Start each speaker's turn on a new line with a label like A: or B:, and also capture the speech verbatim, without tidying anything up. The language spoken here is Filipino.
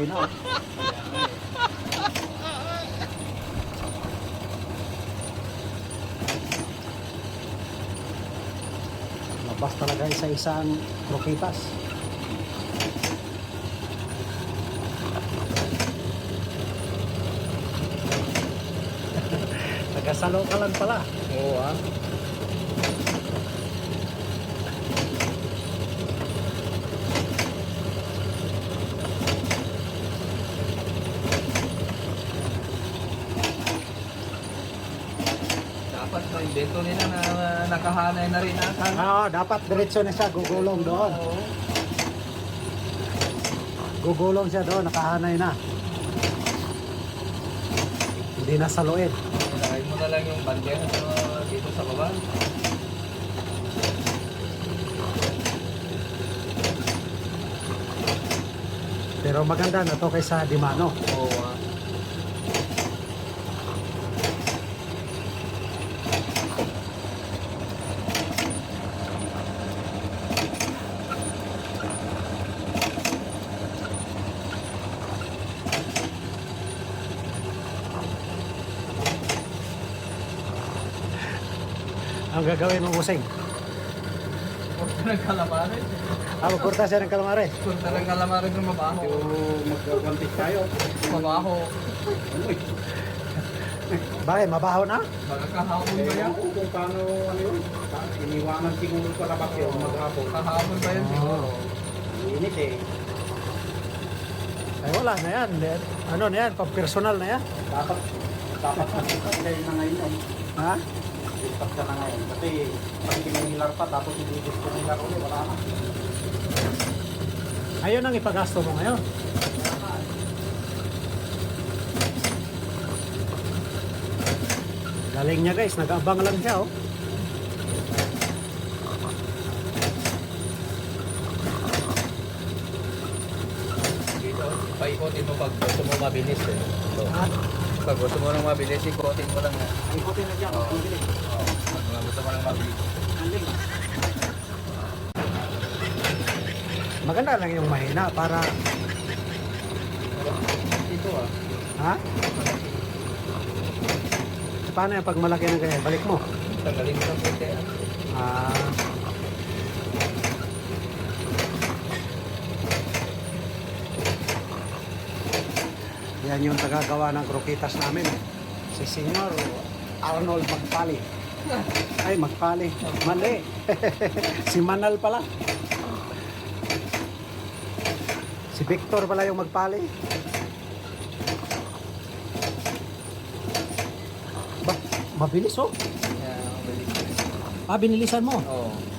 A: buhay na. Labas talaga isa-isang krokitas. Nagkasalo ka lang pala.
B: Oo ah. Dapat sa invento nila na nakahanay na rin ata.
A: Oo, dapat diretso na siya, gugulong doon.
B: Oo.
A: Gugulong siya doon, nakahanay na. Hindi na saluin.
B: Ilagay mo na lang yung bandera sa, dito sa baba.
A: Pero maganda na to kaysa Dimano.
B: Oo ah.
A: Ang gagawin mo, Busing?
B: Kurta ng calamari.
A: Ah, magkurta siya ng kalamares.
B: Kurta ng calamari ng mabaho.
C: Magkakantik tayo.
B: Mabaho.
A: Bakit? Mabaho na?
B: Baka kahapon ba yan?
C: Ewan ko kung paano ano yun. Iniwanan siguro sa labas yun maghapon.
B: Kahapon ba yan siguro?
C: Init eh.
A: Ay, wala na yan. Ano na yan? Pag-personal na yan.
C: Dapat, dapat nagsipat kayo na ngayon eh.
A: Ha?
C: Nagsipat ka na ngayon. Kasi pag kinihilar pa tapos hindi gusto nilar ulit, wala na.
A: Ayun ang ipagasto mo ngayon. Galing niya guys, nag-abang lang siya oh.
B: Dito, paikotin mo pag gusto mo mabilis eh. Ito.
A: Ha?
B: Pag gusto mo nang mabilis, ikotin mo lang.
C: Ay, kote na dyan.
B: Oo.
C: Mabilis.
B: Oo. Pag gusto mo nang mabilis.
C: Aling.
A: Maganda lang yung mahina para...
B: Dito ah.
A: Ha? Paano yung pag malaki na ganyan? Balik mo.
B: Tanggalin mo ng puti ah.
A: Ah... Yan yung tagagawa ng krokitas namin. Si Senyor Arnold Magpali. Ay, Magpali. Mali. Si Manal pala. Si Victor pala yung Magpali. Ba, mabilis oh.
B: Kaya, mabilis.
A: Ah, binilisan mo.
B: Oo.